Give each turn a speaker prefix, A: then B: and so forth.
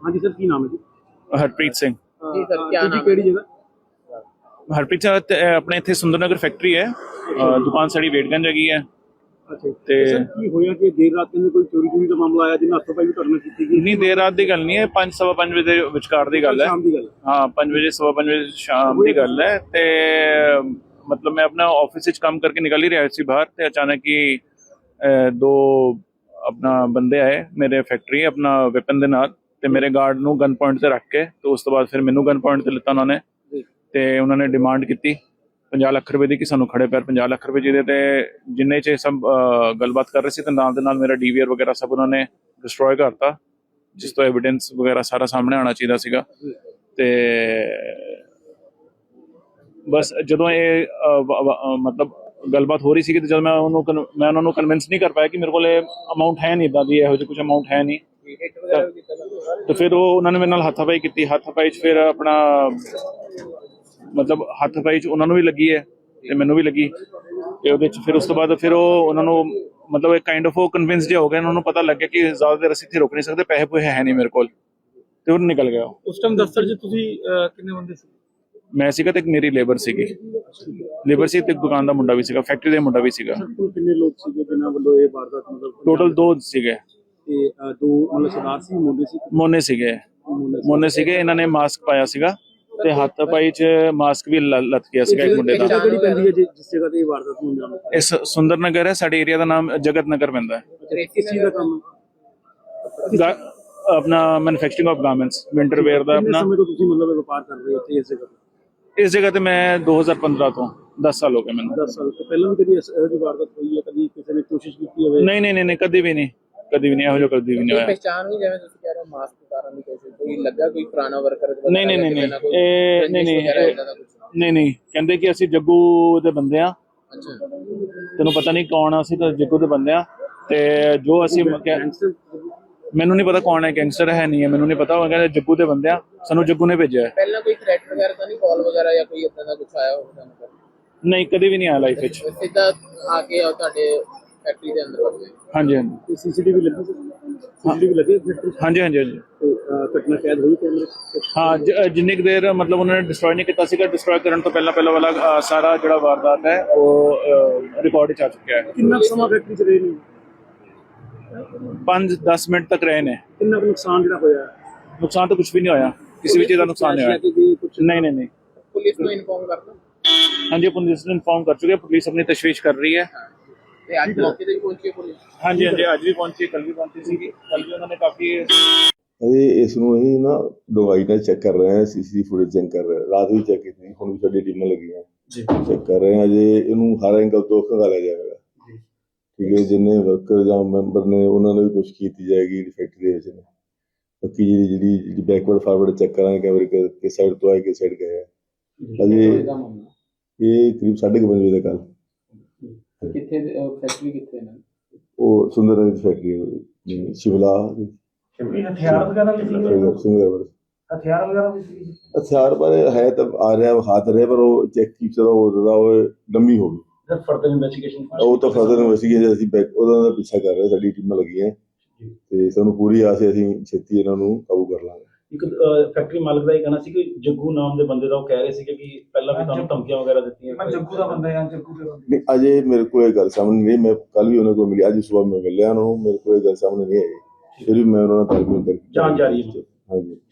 A: हाँ जी सर, की नाम है जी?
B: हरप्रीत सिंह।
A: जी सर, क्या नाम है? जगह
B: हरप्रीत सिंह अपने इत्थे सुंदरनगर फैक्ट्री है, दुकान साड़ी वेटगंज हैगी है।
A: अच्छा ते सर की होया कि देर रात में कोई चोरी चोरी का मामला आया जिन्हें हत्थों पाई भी करना की
B: नहीं, देर रात की गल नहीं है, 5 सवा 5 बजे विचकार दी गल है। हाँ, 5 बजे सवा 5 बजे शाम की गल है। ते मतलब मैं अपना ऑफिस विच काम करके निकल ही रहा सी बाहर, ते अचानक ही दो अपना बंदे आए मेरे फैक्ट्री अपना वेपन दे नाल, ते मेरे गार्ड नूं गन पॉइंट ते रख के, तो उस तो बाद फिर मैनू गन पॉइंट ते लिता उन्होंने, ते उन्होंने डिमांड की 50 लाख रुपए की कि सानू खड़े पैर 50 लाख रुपए ਜਿਹਦੇ ਤੇ ਜਿੰਨੇ ਚ ਸਭ ਗੱਲਬਾਤ ਕਰ ਰਹੇ ਸੀ, ਤੇ ਨਾਲ ਦੇ ਨਾਲ ਮੇਰਾ ਡੀਵੀਆਰ ਵਗੈਰਾ ਸਭ ਉਹਨਾਂ ਨੇ ਡਿਸਟਰੋਏ ਕਰਤਾ, ਜਿਸ ਤੋਂ ਐਵੀਡੈਂਸ ਵਗੈਰਾ ਸਾਰਾ ਸਾਹਮਣੇ ਆਉਣਾ ਚਾਹੀਦਾ ਸੀਗਾ। ਤੇ ਬਸ ਜਦੋਂ ਇਹ ਮਤਲਬ ਗੱਲਬਾਤ ਹੋ ਰਹੀ ਸੀ, ਤੇ ਜਦੋਂ ਮੈਂ ਉਹਨਾਂ ਨੂੰ ਕਨਵਿੰਸ ਨਹੀਂ ਕਰ ਪਾਇਆ ਕਿ ਮੇਰੇ ਕੋਲ ਅਮਾਊਂਟ ਹੈ ਨਹੀਂ, ਇਦਾਂ ਦੀ ਇਹੋ ਜਿਹੀ ਕੁਝ ਅਮਾਊਂਟ ਹੈ ਨਹੀਂ, ਤੇ ਫਿਰ ਉਹਨਾਂ ਨੇ ਮੇਰੇ ਨਾਲ ਹੱਥਾਪਾਈ ਕੀਤੀ। ਹੱਥਾਪਾਈ 'ਚ ਫਿਰ ਆਪਣਾ मतलब हत्थपाई च उन्होंने भी लगी है ते मैनू भी लगी, ते उहदे च फिर उस तो बाद फिर उन्होंने मतलब एक काइंड ऑफ कन्विंस जिहा हो गया, उन्होंने पता लग गया कि ज़्यादा देर असीं इत्थे रुक नहीं सकते, पैसे पूसे है नहीं मेरे कोल, ते उन्होंने निकल गया।
A: उस टाइम दफ्तर च तुसीं किन्ने बंदे सी?
B: मैं सीगा ते एक मेरी लेबर सीगी, लेबर सी ते दुकान दा मुंडा भी सीगा, फैक्ट्री दा मुंडा भी सीगा।
A: किन्ने लोग सीगे जिन्हां वल्लों इह वारदात मतलब
B: टोटल 2 सीगे,
A: ते दो मतलब सरदार सी
B: मोने सीगे। इन्हां ने मास्क पाया सीगा ਤੇ ਹੱਥ ਪਾਈ ਚ ਮਾਸਕ ਵੀ ਲੱਤ ਗਿਆ ਸੀਗਾ ਇੱਕ ਮੁੰਡੇ ਦਾ।
A: ਕਿਹੜੀ ਪੈਂਦੀ ਹੈ ਜਿਸ ਜਗ੍ਹਾ ਤੇ ਇਹ ਵਾਰਦਾਤ ਹੋਣ ਜਾਣਾ?
B: ਇਸ ਸੁੰਦਰ ਨਗਰ ਹੈ, ਸਾਡੇ ਏਰੀਆ ਦਾ ਨਾਮ ਜਗਤ ਨਗਰ ਪੈਂਦਾ ਹੈ।
A: ਕਿਸ ਚੀਜ਼ ਦਾ ਕੰਮ?
B: ਆਪਣਾ manufacturing of garments, winter wear ਦਾ। ਆਪਣਾ
A: ਸਮੇਂ ਤੋਂ ਤੁਸੀਂ ਮਤਲਬ ਵਪਾਰ ਕਰ ਰਹੇ ਹੋ ਇਸ ਜਗ੍ਹਾ ਤੇ?
B: ਇਸ ਜਗ੍ਹਾ ਤੇ ਮੈਂ 2015 ਤੋਂ 10 ਸਾਲ ਹੋ ਗਏ ਮੈਨੂੰ।
A: 10 ਸਾਲ ਤੋਂ ਪਹਿਲਾਂ ਵੀ ਕਦੀ ਇਹੋ ਜਿਹੀ ਵਾਰਦਾਤ ਹੋਈ ਹੈ? ਕਦੀ ਕਿਸੇ ਨੇ ਕੋਸ਼ਿਸ਼ ਕੀਤੀ ਹੋਵੇ?
B: ਨਹੀਂ, ਕਦੀ ਵੀ ਨਹੀਂ ਇਹੋ ਜਿਹਾ ਕਦੀ ਵੀ ਨਹੀਂ ਹੋਇਆ।
A: ਪਹਿਚਾਣ ਵੀ ਜਿਵੇਂ ਤੁਸੀਂ ਕਹਿ ਰਹੇ ਹੋ ਮਾਸਕ ਉਤਾਰਨ ਦੀ ਕੋਸ਼ਿਸ਼, ਕੋਈ ਲੱਗਾ ਕੋਈ ਪੁਰਾਣਾ ਵਰਕਰ?
B: ਨਹੀਂ, ਕਹਿੰਦੇ ਕਿ ਅਸੀਂ ਜੱਗੂ ਦੇ ਬੰਦੇ ਆ।
A: ਅੱਛਾ,
B: ਤੈਨੂੰ ਪਤਾ ਨਹੀਂ ਕੌਣ ਆ, ਅਸੀਂ ਤਾਂ ਜੱਗੂ ਦੇ ਬੰਦੇ ਆ, ਤੇ ਜੋ ਅਸੀਂ ਮੈਨੂੰ ਨਹੀਂ ਪਤਾ ਕੌਣ ਹੈ, ਗੈਂਗਸਟਰ ਹੈ ਨਹੀਂ ਹੈ, ਮੈਨੂੰ ਨਹੀਂ ਪਤਾ। ਉਹ ਕਹਿੰਦੇ ਜੱਗੂ ਦੇ ਬੰਦੇ ਆ, ਸਾਨੂੰ ਜੱਗੂ ਨੇ ਭੇਜਿਆ।
A: ਪਹਿਲਾਂ ਕੋਈ ਥ੍ਰੈਟ ਵਗੈਰਾ ਤਾਂ ਨਹੀਂ, ਕਾਲ ਵਗੈਰਾ ਜਾਂ ਕੋਈ ਇਦਾਂ ਦਾ ਕੁਝ ਆਇਆ ਹੋਵੇ ਤੁਹਾਨੂੰ?
B: ਨਹੀਂ, ਕਦੇ ਵੀ ਨਹੀਂ ਆਇਆ ਲਾਈਫ ਵਿੱਚ।
A: ਸਿੱਧਾ ਆ ਕੇ ਤੁਹਾਡੇ ਫੈਕਟਰੀ ਦੇ ਅੰਦਰ ਵੜ ਗਏ?
B: ਹਾਂਜੀ।
A: ਸੀਸੀਟੀਵੀ ਲੱਗੀ? ਸੀਸੀਟੀਵੀ ਲੱਗੀ ਫੈਕਟਰੀ?
B: ਹਾਂਜੀ।
A: ਘਟਨਾ ਕੈਦ ਹੋਈ ਕੈਮਰੇ?
B: ਹਾਂ, ਜਿੰਨੀ ਕੁ ਦੇਰ ਮਤਲਬ ਉਹਨਾਂ ਨੇ ਡਿਸਟਰੋਏ ਨਹੀਂ ਕੀਤਾ ਸੀਗਾ, ਡਿਸਟਰੋਏ ਕਰਨ ਤੋਂ ਪਹਿਲਾਂ ਵਾਲਾ ਸਾਰਾ ਜਿਹੜਾ ਵਾਰਦਾਤ ਹੈ ਉਹ ਰਿਕਾਰਡ 'ਚ ਆ ਚੁੱਕਿਆ ਹੈ।
A: ਕਿੰਨਾ ਸਮਾਂ ਫੈਕਟਰੀ 'ਚ ਰਹੇ ਨੇ?
B: 5-10 ਮਿੰਟ ਤੱਕ ਰਹੇ ਨੇ।
A: ਕਿੰਨਾ ਕੁ ਨੁਕਸਾਨ ਜਿਹੜਾ ਹੋਇਆ?
B: ਨੁਕਸਾਨ ਤਾਂ ਕੁਝ ਵੀ ਨਹੀਂ ਹੋਇਆ, ਕਿਸੇ ਵੀ ਚੀਜ਼ ਦਾ ਨੁਕਸਾਨ ਨਹੀਂ ਹੋਇਆ। ਨਹੀਂ।
A: ਪੁਲਿਸ ਨੂੰ ਇਨਫੋਰਮ ਕਰਤਾ?
B: ਹਾਂਜੀ, ਪੁਲਿਸ ਨੂੰ ਇਨਫੋਰਮ ਕਰ ਚੁੱਕੇ, ਪੁਲਿਸ ਆਪਣੀ ਤਸ਼ਵੀਸ਼ ਕਰ ਰਹੀ ਹੈ।
A: ਤੇ ਅੱਜ ਮੌਕੇ ਤੇ ਪਹੁੰਚੀ ਪੁਲਿਸ?
B: ਹਾਂਜੀ, ਅੱਜ ਵੀ ਪਹੁੰਚੀ, ਕੱਲ ਵੀ ਪਹੁੰਚੀ ਸੀਗੀ। ਕੱਲ ਵੀ ਉਹਨਾਂ ਨੇ ਕਾਫੀ
C: ਇਸ ਨੂੰ ਅਸੀਂ ਨਾ ਡੁੰਗਾਈ ਨਾਲ ਚੈੱਕ ਕਰ ਰਹੇ ਹਾਂ, ਸੀਸੀਟੀਵੀ ਫੁਟੇਜ ਚੈੱਕ ਕਰ ਰਹੇ ਹਾਂ, ਰਾਤ ਵੀ ਚੈੱਕ ਕੀਤੀ, ਹੁਣ ਵੀ ਸਾਡੀ ਟੀਮਾਂ ਲੱਗੀਆਂ ਚੈੱਕ ਕਰ ਰਹੇ ਹਾਂ। ਜੇ ਇਹਨੂੰ ਹਰ ਐਂਗਲ ਤੋਂ ਖੰਗਾਲਿਆ ਜਾਵੇਗਾ, ਠੀਕ ਹੈ। ਜਿੰਨੇ ਵਰਕਰ ਜਾਂ ਮੈਂਬਰ ਨੇ ਉਹਨਾਂ ਨੂੰ ਵੀ ਕੁਛ ਕੀਤੀ ਜਾਏਗੀ ਫੈਕਟਰੀ ਦੇ ਵਿੱਚ ਨੇ। ਬਾਕੀ ਜਿਹੜੀ ਬੈਕਵਰਡ ਫਾਰਵਰਡ ਚੈੱਕ ਕਰਾਂਗੇ ਕੈਮਰੇ ਕਿਸ ਸਾਈਡ ਤੋਂ ਆਏ, ਕਿਸ ਸਾਈਡ ਗਏ ਆ। ਅਜੇ ਇਹ ਕਰੀਬ 5:30 ਵਜੇ ਦਾ ਕੱਲ।
A: ਕਿੱਥੇ ਫੈਕਟਰੀ ਕਿੱਥੇ ਨੇ? ਉਹ
C: ਸੁੰਦਰ ਨਗਰ ਫੈਕਟਰੀ ਸ਼ਿਵਲਾ।
A: ਹਥਿਆਰ ਵਗੈਰਾ ਵੀ
C: ਹਥਿਆਰ ਪਰ ਹੈ ਤਾਂ ਆ ਰਿਹਾ, ਹੱਥ ਰਿਹਾ, ਪਰ ਉਹ ਚੈੱਕ ਕੀਤਾ ਉਹ ਲੰਮੀ ਹੋ ਗਈ।
A: ਫਰਦਰ ਇਨਵੈਸਟੀਗੇਸ਼ਨ
C: ਉਹ ਤਾਂ ਫਰਦਰ ਇਨਵੈਸਟੀਗੇਸ਼ਨ ਅਸੀਂ ਉਹਦਾ ਦਾ ਪਿੱਛਾ ਕਰ ਰਹੇ, ਸਾਡੀ ਟੀਮਾਂ ਲੱਗੀਆਂ ਤੇ ਸਾਨੂੰ ਪੂਰੀ ਆਸ ਹੈ ਅਸੀਂ ਛੇਤੀ ਇਹਨਾਂ ਨੂੰ ਕਾਬੂ ਕਰ ਲਾਂਗੇ।
A: ਇੱਕ ਫੈਕਟਰੀ ਮਾਲਕ ਦਾ ਇਹ ਕਹਿਣਾ ਸੀ ਕਿ ਜੱਗੂ ਨਾਮ ਦੇ ਬੰਦੇ ਦਾ ਉਹ ਕਹਿ ਰਹੇ ਸੀ ਕਿ ਪਹਿਲਾਂ ਵੀ ਤੁਹਾਨੂੰ ਧਮਕੀਆਂ ਵਗੈਰਾ ਦਿੱਤੀਆਂ। ਮੈਂ ਜੱਗੂ ਦਾ ਬੰਦਾ ਹਾਂ, ਜੱਗੂ ਦੇ ਬੰਦੇ।
C: ਨਹੀਂ, ਅਜੇ ਮੇਰੇ ਕੋਲ ਇਹ ਗੱਲ ਸਾਹਮਣੇ ਨਹੀਂ। ਮੈਂ ਕੱਲ ਵੀ ਉਹਨਾਂ ਕੋਲ ਮਿਲਿਆ, ਅੱਜ ਸਵੇਰ ਮੈਂ ਮਿਲਿਆ ਉਹਨਾਂ ਨੂੰ, ਮੇਰੇ ਕੋਲ ਇਹ ਗੱਲ ਸਾਹਮਣੇ ਨਹੀਂ ਆਈ। ਫਿਰ ਵੀ ਮੈਂ ਉਹਨਾਂ ਨਾਲ ਤਾਲਮੇਲ ਕਰਕੇ
A: ਜਾਂਚ ਜਾਰੀ ਹੈ।
C: ਹਾਂਜੀ।